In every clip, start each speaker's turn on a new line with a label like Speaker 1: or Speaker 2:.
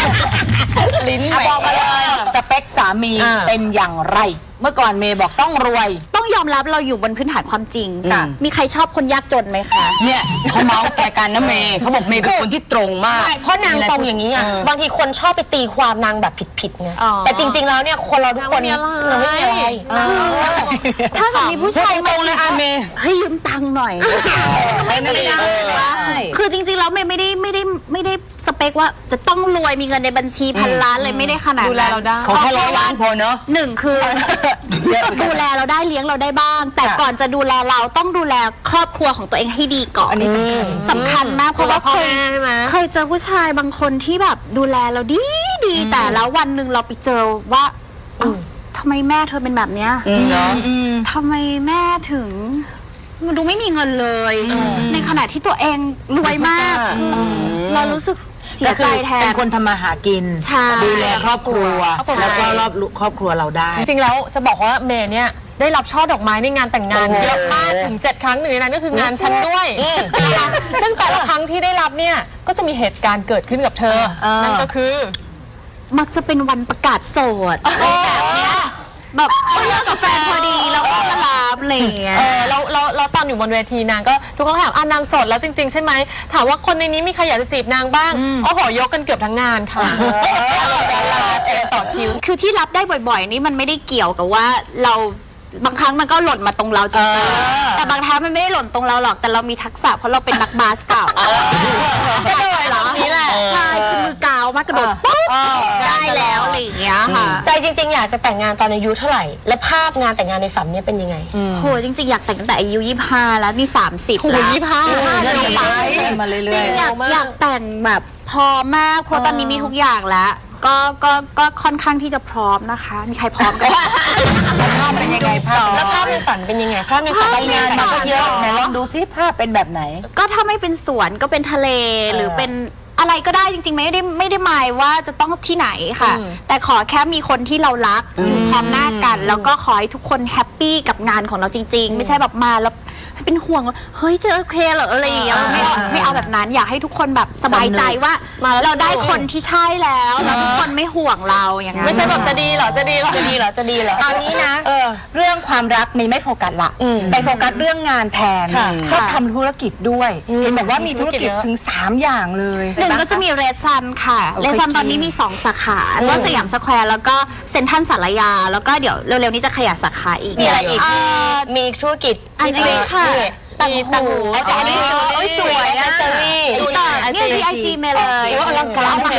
Speaker 1: ลิ้น
Speaker 2: บอกมาเลยสเปคสามีเป็นอย่างไร เมื่อก่อนเมย์บอกต้องรวย
Speaker 3: ต้องยอมรับเราอยู่บนพื้นฐานความจริง
Speaker 2: ค่ะ
Speaker 3: มีใครชอบคนยากจนไหมคะ
Speaker 1: เนี่ยเขาเมาส์แกกันนะเมย์เขาบอกเมย์เป็นคนที่ตรงมาก
Speaker 4: เพราะนางตรงอย่างนี้อ่ะบางทีคนชอบไปตีความนางแบบผิดๆไง
Speaker 3: อ๋อ
Speaker 4: แต่จริง ๆ แล้วเนี่ยคนเราทุกคนนางไม่มีอะไร
Speaker 3: ถ้าเกิดมีผู้ชาย
Speaker 1: ตรงเลยอาเมย์
Speaker 3: ให้ยืมตังค์หน่อยไม่ได้คือจริงๆแล้วไม่ได้สเปคว่าจะต้องรวยมีเงินในบัญชีพันล้านเลยไม่ได้ขนาดนั้น
Speaker 4: ดูแลเราได้
Speaker 1: เขาแค่100 ล้านพอเนอะ
Speaker 3: หนึ่งคือดูแลเราได้เลี้ยงเราได้บ้าง แต่ก่อนจะดูแลเราต้องดูแลครอบครัวของตัวเองให้ดีก่อน
Speaker 2: อันนี้สำคัญ
Speaker 3: มากเพราะว่า
Speaker 4: พ่อแม่ใช่ไหม
Speaker 3: เคยเจอผู้ชายบางคนที่แบบดูแลเราดีแต่แล้ววันหนึ่งเราไปเจอว่าเอ้าทำไมแม่เธอเป็นแบบเนี้ยทำไมแม่ถึงมันดูไม่มีเงินเลยในขณะที่ตัวเองรวยมากคือเรารู้สึกเสียใจแท
Speaker 2: เป็น นคนทำมาหากิน
Speaker 3: ใช่
Speaker 2: ดูแลครอบครัวแล้วก็รอบครอบครัวเราได้
Speaker 4: จริงๆแล้วจะบอกว่าเมย์เนี่ยได้รับช่อดอกไม้ในงานแต่งงานเยอะมากถึง7 ครั้งหนึ่งในนั้นก็คืองานฉันด้วยนะคะซึ่งแต่ละครั้งที่ได้รับเนี่ยก็จะมีเหตุการณ์เกิดขึ้นกับเธอนั่นก็คือ
Speaker 3: มักจะเป็นวันประกาศโสดแบบเนี้ยแบบเลิกกับแฟนพอดีแล้วก็มารับอะไรอย่างเงี้ย
Speaker 4: แล้วตอนอยู่บนเวทีนางก็ทุกคนก็ถามนางโสดแล้วจริงๆใช่ไหมถามว่าคนในนี้มีใครอยากจะจีบนางบ้างโอ้โหยกกันเกือบทั้งงานค่ะดาราเต็มต่อคิว
Speaker 3: คือที่รับได้บ่อยๆนี่มันไม่ได้เกี่ยวกับว่าเราบางครั้งมันก็หล่นมาตรงเราจริงๆแต่บางครั้งมันไม่ได้หล่นตรงเราหรอกแต่เรามีทักษะเพราะเราเป็นนักบาสเก่าก็เลยเหรอนี่แหละใช่คือมือกาวมากกระโดดปุ๊บได้แล้วอะไรอย่างเงี้ยค่ะ
Speaker 4: ใจจริงๆอยากจะแต่งงานตอนอายุเท่าไหร่และภาพงานแต่งงานในฝันเนี่ยเป็นยังไง
Speaker 3: โหจริงๆอยากแต่งตั้งแต่อายุ25แล้วนี่30แล้ว
Speaker 2: มาเรื่
Speaker 3: จริ
Speaker 2: อย
Speaker 3: งอยากแต่งแบบพร้อมมากเพราะตอนนี้มีทุกอย่างแล้วก็ค่อนข้างที่จะพร้อมนะคะมีใครพร้อมกัน
Speaker 2: ภาพเป็นยังไงภาพ
Speaker 4: แล้วภาพในฝันเป็นยังไงภาพในฝัน
Speaker 2: ไปงานมาก็เยอะไหนลองดูซิภาพเป็นแบบไหน
Speaker 3: ก็ถ้าไม่เป็นสวนก็เป็นทะเลหรือเป็นอะไรก็ได้จริงๆไม่ได้หมายว่าจะต้องที่ไหนค่ะ แต่ขอแค่มีคนที่เรารักอยู่พร้อมหน้ากัน แล้วก็ขอให้ทุกคนแฮปปี้กับงานของเราจริง ๆ ไม่ใช่แบบมาแล้วเป็นห่วงว่าเฮ้ยจะโอเคเหรออะไรอย่างเงี้ยไม่เอาแบบนั้นอยากให้ทุกคนแบบสบายใจว่าเราได้คนที่ใช่แล้วทุกคนไม่ห่วงเราอย่างนั้น
Speaker 4: ไม่ใช่แบบจะดีเหรอจะดีเหรอจะดีเหรอจะดีเหรอ
Speaker 5: เอานี้นะเรื่องความรักมีไม่โฟกัสละไปโฟกัสเรื่องงานแทนชอบทำธุรกิจด้วยเห็นบอกว่ามีธุรกิจถึง3 อย่างเลย
Speaker 3: หนึ่งก็จะมีเรดซันค่ะเรดซันตอนนี้มี2 สาขาก็สยามสแควร์แล้วก็เซ็นทรัลสารยาแล้วก็เดี๋ยวเร็วๆนี้จะขยายสาขาอีก
Speaker 4: มีอะไรอีกมีธุรกิจ
Speaker 3: อันนี้ค่ะ
Speaker 4: มีตังหู
Speaker 5: อันนี้สวยอะ
Speaker 3: เนี่ยที่ไอจีเมย์เลย
Speaker 5: อลังการมาก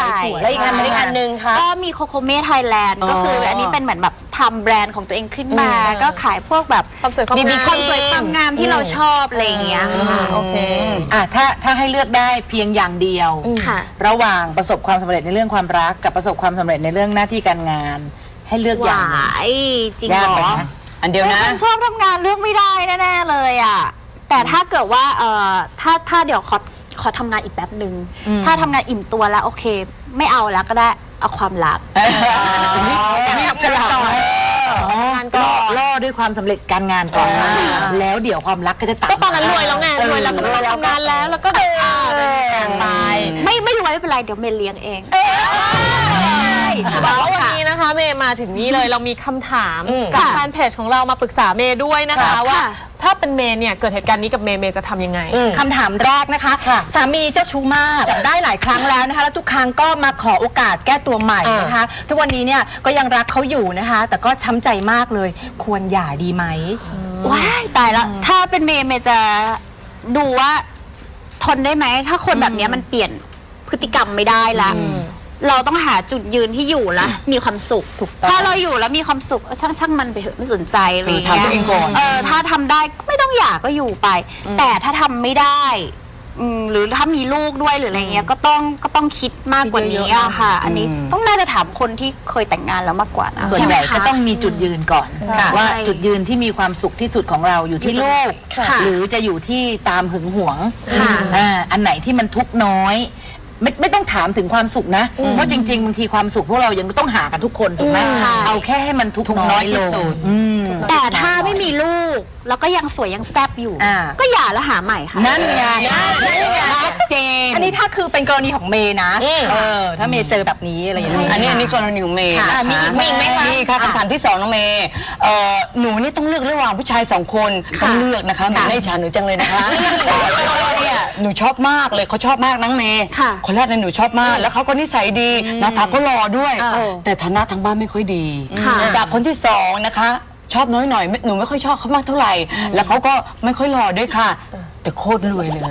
Speaker 2: แล้วอีกอันหนึ่งค่ะ
Speaker 3: ก็มีโคโคเม่ไทยแลนด์ก็คืออันนี้เป็นเหมือนแบบทำแบรนด์ของตัวเองขึ้นมา ก็ขายพวกแบบ
Speaker 4: ความสวยความ
Speaker 3: มี
Speaker 4: งาม
Speaker 3: ความสวยความงามที่เราชอบอะไรอย่างเงี้ยค่ะ
Speaker 4: โอเค
Speaker 2: ถ้าให้เลือกได้เพียงอย่างเดียว
Speaker 3: ค่ะ
Speaker 2: ระหว่างประสบความสำเร็จในเรื่องความรักกับประสบความสำเร็จในเรื่องหน้าที่การงาน ให้เลือกอย่างหนึ่ง
Speaker 3: จริง
Speaker 2: ยาก
Speaker 3: เห
Speaker 2: ไป
Speaker 3: รอ
Speaker 2: นะ
Speaker 1: อันเดียวนะ
Speaker 3: เป็นคนชอบทำงานเลือกไม่ได้แน่ๆเลยอ่ะแต่ถ้าเกิดว่าถ้าเดี๋ยวขอทำงานอีกแป๊บหนึ่งถ้าทำงานอิ่มตัวแล้วโอเค ไม่เอาแล้วก็ได้เอาความรัก
Speaker 2: ฉลาดล่อด้วยความสำเร็จการงานก่อนแล้วเดี๋ยวความรักก็จะตาม
Speaker 4: ก็ตอนนั้นรวยแล้วไงรวยแล้วก็ไม่ต้องทำงานแล้วก็แบบตาย
Speaker 3: ไม่รวยไม่เป็นไรเดี๋ยวเมย์เลี้ยงเอง
Speaker 4: แล้ววันนี้นะคะเมย์มาถึงนี่เลยเรามีคำถามจากแฟนเพจของเรามาปรึกษาเมย์ด้วยนะคะว่าถ้าเป็นเมย์เนี่ยเกิดเหตุการณ์นี้กับเมย์จะทำยังไง
Speaker 5: คำถามแรกนะคะสามีเจ้าชู้มากจับได้หลายครั้งแล้วนะคะแล้วทุกครั้งก็มาขอโอกาสแก้ตัวใหม่นะคะทุกวันนี้เนี่ยก็ยังรักเขาอยู่นะคะ แต่ก็ช้ำใจมากเลยควรหย่าดีไหม
Speaker 3: ว้ายตายแล้วถ้าเป็นเมย์จะดูว่าทนได้ไหมถ้าคนแบบนี้มันเปลี่ยนพฤติกรรมไม่ได้ละเราต้องหาจุดยืนที่อยู่แล้วมีความสุขถ้าเราอยู่แล้วมีความสุขช่างมันไปเถอะไม่สนใจอะไรอย่างเงี้ย
Speaker 2: ทำตัวเองก่อน
Speaker 3: ถ้าทำได้ก็ไม่ต้องหย่าก็อยู่ไป แต่ถ้าทำไม่ได้หรือถ้ามีลูกด้วยหรืออะไรเงี้ยก็ต้องคิดมากกว่านี้อะค่ะ อันนี้ต้องน่าจะถามคนที่เคยแต่งงานแล้วมากกว่านะ
Speaker 2: ส่วนใหญ่ก็ต้องมีจุดยืนก่อน
Speaker 3: ค่ะ
Speaker 2: ว่าจุดยืนที่มีความสุขที่สุดของเราอยู่ที่ลูก หรือจะอยู่ที่ตามหึงหวงอันไหนที่มันทุกข์น้อยไม่ต้องถามถึงความสุขนะเพราะจริงๆบางทีความสุขพวกเรายังต้องหากันทุกคนถูกไหมเอาแค่ให้มันทุกข์น้อยลง
Speaker 3: แต่ถ้าไม่มีลูกแล้วก็ยังสวยยังแซ่บอยู่ก็หย่าแล้วหาใหม่ค่ะ
Speaker 2: นั่นไง
Speaker 1: ชัดเจน
Speaker 5: นี้ถ้าคือเป็นกรณีของเมย์นะถ้าเมย์เจอแบบนี้อะไรอย่างเงี้ย
Speaker 1: อันนี้กรณีของเมย์นะคะ
Speaker 5: มีอีกไหมคะ
Speaker 1: มีค่ะคำถามที่2น้องเมย์หนูนี่ต้องเลือกระหว่างผู้ชาย2 คนต้องเลือกนะคะไม่ได้ฉาหนูจังเลยนะคะเนี่ยหนูชอบมากเลยเขาชอบมากน้องเมย์คนแรกเนี่ยหนูชอบมากแล้วเขาก็นิสัยดีหน้าตาก็หล่อด้วยแต่ฐานะทางบ้านไม่ค่อยดีจากคนที่2นะคะชอบน้อยหน่อยหนูไม่ค่อยชอบเขามากเท่าไหร่แล้วเขาก็ไม่ค่อยหล่อด้วยค่ะแต่โคตรรวยเลย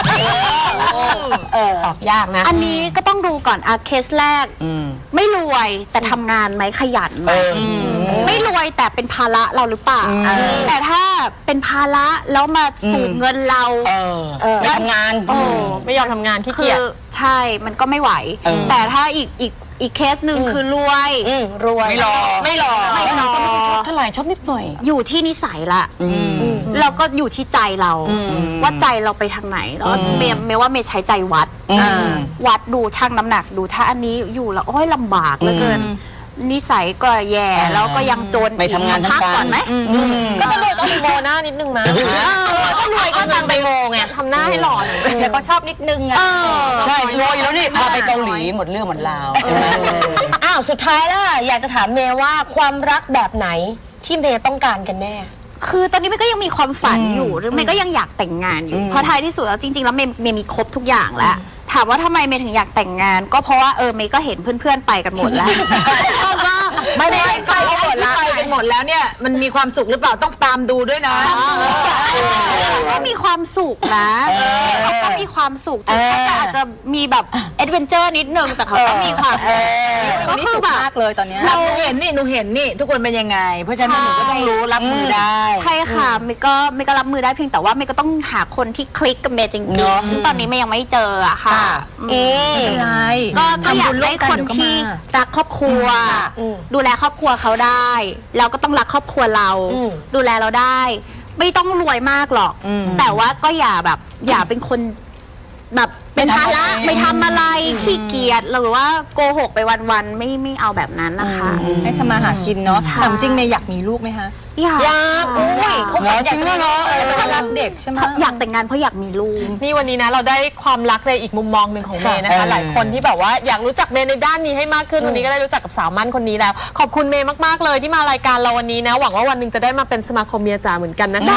Speaker 4: ตอบยากนะ
Speaker 3: อันนี้ก็ต้องดูก่อนเคสแรกไม่รวยแต่ทำงานไหมขยันไหมไม่รวยแต่เป็นภาระเราหรือเปล่าแต่ถ้าเป็นภาระแล้วมาสูญเงินเรา
Speaker 1: ไม่ทำงาน
Speaker 4: ไม่ยอมทำงานขี้
Speaker 3: คื
Speaker 4: เกีย
Speaker 3: อ
Speaker 4: จ
Speaker 3: ใช่มันก็ไม่ไหว แต่ถ้าอีกเคสหนึ่งคือรวย
Speaker 4: รวย
Speaker 1: ไม่รอ
Speaker 4: ไม่รอ
Speaker 1: แล้วหนูก็ไม่ค่อยชอบเท่าไหร่ชอบนิดหน่อย
Speaker 3: อยู่ที่นิสัยละเราก็อยู่ที่ใจเราว่าใจเราไปทางไหนแล้วเมย์ว่าเมย์ใช้ใจวัดวัดดูชั่งน้ำหนักดูถ้าอันนี้อยู่แล้วโอ้ยลำบากเหลือเกินนิสัยก็แย่แล้วก็ยังจน
Speaker 1: ไม่ทำงาน
Speaker 3: พัก
Speaker 1: ทำการ
Speaker 3: ก่อนไหม
Speaker 4: ก็ต้องรวยต้องไปโมหน้านิดนึงมาก็รวยก็นางไปโมไงทำหน้าให้หล่อหน่อย
Speaker 5: แล้วก็ชอบนิดนึงอะ
Speaker 1: ใช่รวยแล้วนี่พาไปเกาหลีหมดเรื่องหมดราวใช่ไหม
Speaker 6: อ้าวสุดท้ายแล้วอยากจะถามเมย์ว่าความรักแบบไหนที่เมย์ต้องการกันแน่
Speaker 3: คือตอนนี้เมย์ก็ยังมีความฝันอยู่หรือเมย์ก็ยังอยากแต่งงานอยู่เพราะท้ายที่สุดแล้วจริงๆแล้วเมย์มีครบทุกอย่างแล้วถามว่าทำไมเมย์ถึงอยากแต่งงาน ก็เพราะว่าเมย์ก็เห็นเพื่อนๆไปกันหมดแล้วว่า
Speaker 2: ไม่ไปกันหมดแล้วเนี่ยมันมีความสุขหรือเปล่าต้องตามดูด้วยนะ
Speaker 3: ก็มีความสุขนะเขาก็มีความสุขแต่เขาอาจจะมีแบบแอดเวนเจอร์นิดนึงแต่เขาก็มีความสุขก็คือแบบ
Speaker 5: มากเลยตอนเนี้ย
Speaker 2: หนูเห็นนี่ทุกคนเป็นยังไง เพราะฉะนั้นหนูก็ต้องรู้รับมือได้
Speaker 3: ใช่ค่ะเมย์ก็รับมือได้เพียงแต่ว่าเมย์ก็ต้องหาคนที่คลิกกับเมย์จริงๆซึ่งตอนนี้เมย์ยังไม่เจออะค่ะ
Speaker 5: ไม่เป็นไร
Speaker 3: ก็อยากได้คนที่รักครอบครัว ดูแลครอบครัวเขาได้แล้วก็ต้องรักครอบครัวเรา ดูแลเราได้ ไม่ต้องรวยมากหรอก แต่ว่าก็อย่าเป็นคนแบบเป็นภาระไม่ทำอะไรขี้เกียจหรือว่าโกหกไปวันๆไม่เอาแบบนั้นนะคะ
Speaker 5: ให้ทำมาหากินเนาะ
Speaker 3: ใช่
Speaker 5: แต่จริงเมย์อยากมีลูกไหมคะ
Speaker 3: อยาก
Speaker 5: อุ้ยเขาอยากจะมีลูก
Speaker 3: อยาก
Speaker 5: เป็นรักเด็กใช่ไหม
Speaker 3: อยากแต่งงานเพราะอยากมีลูก
Speaker 4: นี่วันนี้นะเราได้ความรักในอีกมุมมองหนึ่งของเมย์นะคะ หลายคนที่แบบว่าอยากรู้จักเมย์ในด้านนี้ให้มากขึ้นวันนี้ก็ได้รู้จักกับสาวมั่นคนนี้แล้ว ขอบคุณเมย์มากๆเลยที่มารายการเราวันนี้นะหวังว่าวันหนึ่งจะได้มาเป็นสมาคมเมียจ๋าเหมือนกันนะคะ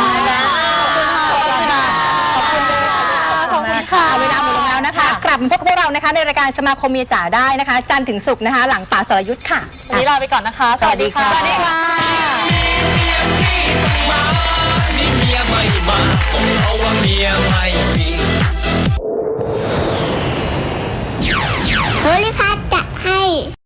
Speaker 5: ขอบคุณค่ะเวลาหมดลงแล้วนะคะ กลับมาพบกับพวกเรานะคะในรายการสมาคมเมียจ๋าได้นะคะ จันทร์ถึงศุกร์นะคะ หลังป่าสรยุทธ์ค่ะ
Speaker 4: วันนี้ลาไปก่อนนะคะ สวัสดีค่ะ
Speaker 5: สวัสดีค่ะ
Speaker 7: นี่เมียไม่มาผมเอาว่าเมียมา